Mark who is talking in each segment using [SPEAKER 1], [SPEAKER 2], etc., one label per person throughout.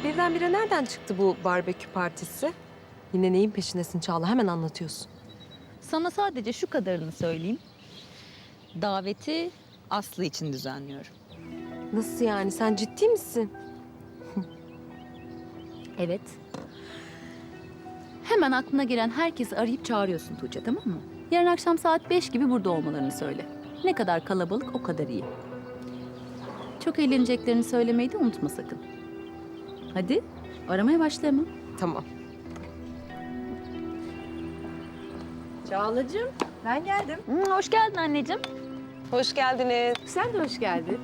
[SPEAKER 1] Birdenbire nereden çıktı bu barbekü partisi? Yine neyin peşindesin Çağla? Hemen anlatıyorsun.
[SPEAKER 2] Sana sadece şu kadarını söyleyeyim. Daveti Aslı için düzenliyorum.
[SPEAKER 1] Nasıl yani? Sen ciddi misin?
[SPEAKER 2] Evet. Hemen aklına gelen herkesi arayıp çağırıyorsun Tuğçe, tamam mı? Yarın akşam saat 5 gibi burada olmalarını söyle. Ne kadar kalabalık o kadar iyi. Çok eğleneceklerini söylemeyi de unutma sakın. Hadi aramaya başla hemen.
[SPEAKER 1] Tamam.
[SPEAKER 3] Çağlacığım, ben geldim.
[SPEAKER 2] Hoş geldin anneciğim.
[SPEAKER 1] Hoş geldiniz.
[SPEAKER 3] Sen de hoş geldin.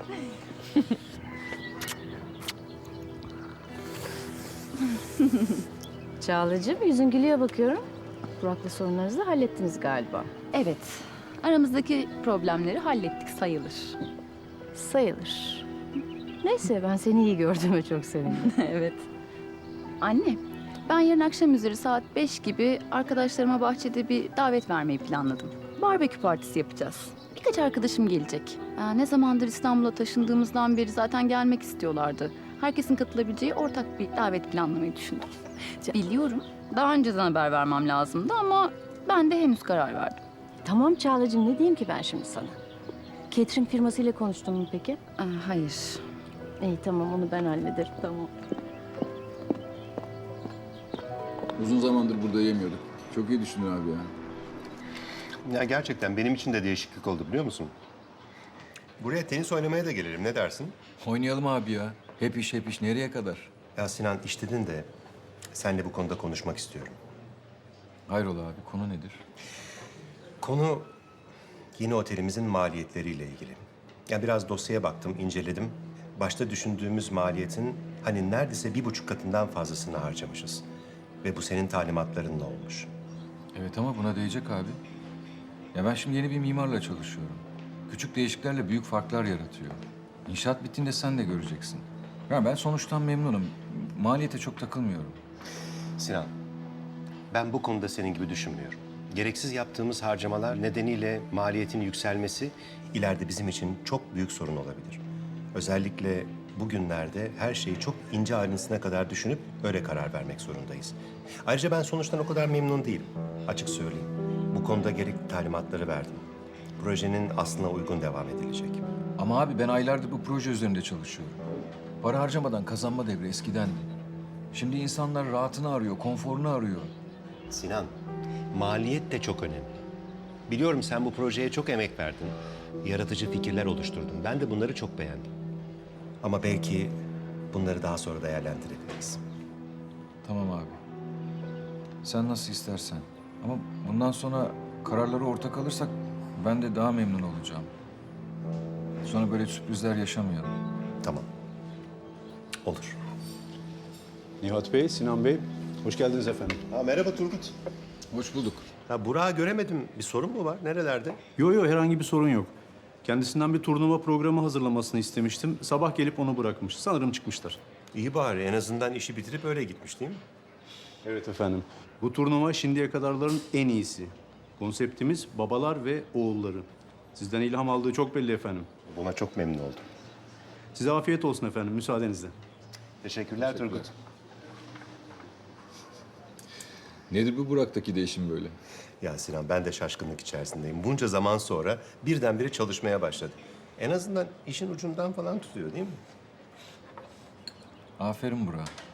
[SPEAKER 3] Çağlacığım, yüzün gülüyor bakıyorum. Burak'la sorunlarınızı da hallettiniz galiba.
[SPEAKER 2] Evet, aramızdaki problemleri hallettik sayılır.
[SPEAKER 3] Sayılır. Neyse, ben seni iyi gördüğüme çok sevindim.
[SPEAKER 2] Evet. Anne, ben yarın akşam üzeri saat 5 gibi arkadaşlarıma bahçede bir davet vermeyi planladım. Barbekü partisi yapacağız. Birkaç arkadaşım gelecek. Ne zamandır İstanbul'a taşındığımızdan beri zaten gelmek istiyorlardı. Herkesin katılabileceği ortak bir davet planlamayı düşündüm. Biliyorum, daha önceden haber vermem lazımdı ama ben de henüz karar verdim.
[SPEAKER 3] Tamam Çağlacığım, ne diyeyim ki ben şimdi sana? Catering firmasıyla konuştun mu peki?
[SPEAKER 2] Hayır.
[SPEAKER 3] İyi tamam, onu ben hallederim.
[SPEAKER 2] Tamam.
[SPEAKER 4] Uzun zamandır burada yemiyorduk. Çok iyi düşündün abi ya.
[SPEAKER 5] Ya gerçekten benim için de değişiklik oldu biliyor musun? Buraya tenis oynamaya da gelirim. Ne dersin?
[SPEAKER 4] Oynayalım abi ya. Hep iş nereye kadar?
[SPEAKER 5] Ya Sinan iş dedin de seninle bu konuda konuşmak istiyorum.
[SPEAKER 4] Hayrola abi, konu nedir?
[SPEAKER 5] Konu yeni otelimizin maliyetleriyle ilgili. Ya biraz dosyaya baktım, inceledim. Başta düşündüğümüz maliyetin hani neredeyse 1,5 katından fazlasını harcamışız. Ve bu senin talimatlarınla olmuş.
[SPEAKER 4] Evet ama buna değecek abi. Ya ben şimdi yeni bir mimarla çalışıyorum. Küçük değişikliklerle büyük farklar yaratıyor. İnşaat bittiğinde sen de göreceksin. Ya ben sonuçtan memnunum. Maliyete çok takılmıyorum.
[SPEAKER 5] Sinan, ben bu konuda senin gibi düşünmüyorum. Gereksiz yaptığımız harcamalar nedeniyle maliyetin yükselmesi ileride bizim için çok büyük sorun olabilir. Özellikle bugünlerde her şeyi çok ince ayrıntısına kadar düşünüp öyle karar vermek zorundayız. Ayrıca ben sonuçtan o kadar memnun değilim. Açık söyleyeyim. Bu konuda gerekli talimatları verdim. Projenin aslına uygun devam edilecek.
[SPEAKER 4] Ama abi ben aylardır bu proje üzerinde çalışıyorum. Para harcamadan kazanma devri eskidendi. Şimdi insanlar rahatını arıyor, konforunu arıyor.
[SPEAKER 5] Sinan, maliyet de çok önemli. Biliyorum sen bu projeye çok emek verdin. Yaratıcı fikirler oluşturdun. Ben de bunları çok beğendim. Ama belki bunları daha sonra değerlendirebiliriz.
[SPEAKER 4] Tamam abi. Sen nasıl istersen. Ama bundan sonra kararları ortak alırsak ben de daha memnun olacağım. Sonra böyle sürprizler yaşamayalım.
[SPEAKER 5] Tamam. Olur.
[SPEAKER 6] Nihat Bey, Sinan Bey, hoş geldiniz efendim.
[SPEAKER 5] Merhaba Turgut.
[SPEAKER 4] Hoş bulduk.
[SPEAKER 5] Burak'ı göremedim. Bir sorun mu var? Nerelerde?
[SPEAKER 6] Yo, herhangi bir sorun yok. Kendisinden bir turnuva programı hazırlamasını istemiştim. Sabah gelip onu bırakmış. Sanırım çıkmışlar.
[SPEAKER 5] İyi bari. En azından işi bitirip öyle gitmiş değil mi?
[SPEAKER 6] Evet efendim. Bu turnuva şimdiye kadarların en iyisi. Konseptimiz babalar ve oğulları. Sizden ilham aldığı çok belli efendim.
[SPEAKER 5] Buna çok memnun oldum.
[SPEAKER 6] Size afiyet olsun efendim, müsaadenizle.
[SPEAKER 5] Teşekkürler Turgut.
[SPEAKER 4] Nedir bu Burak'taki değişim böyle?
[SPEAKER 5] Ya Sinan ben de şaşkınlık içerisindeyim. Bunca zaman sonra birdenbire çalışmaya başladı. En azından işin ucundan falan tutuyor değil mi?
[SPEAKER 4] Aferin Burak.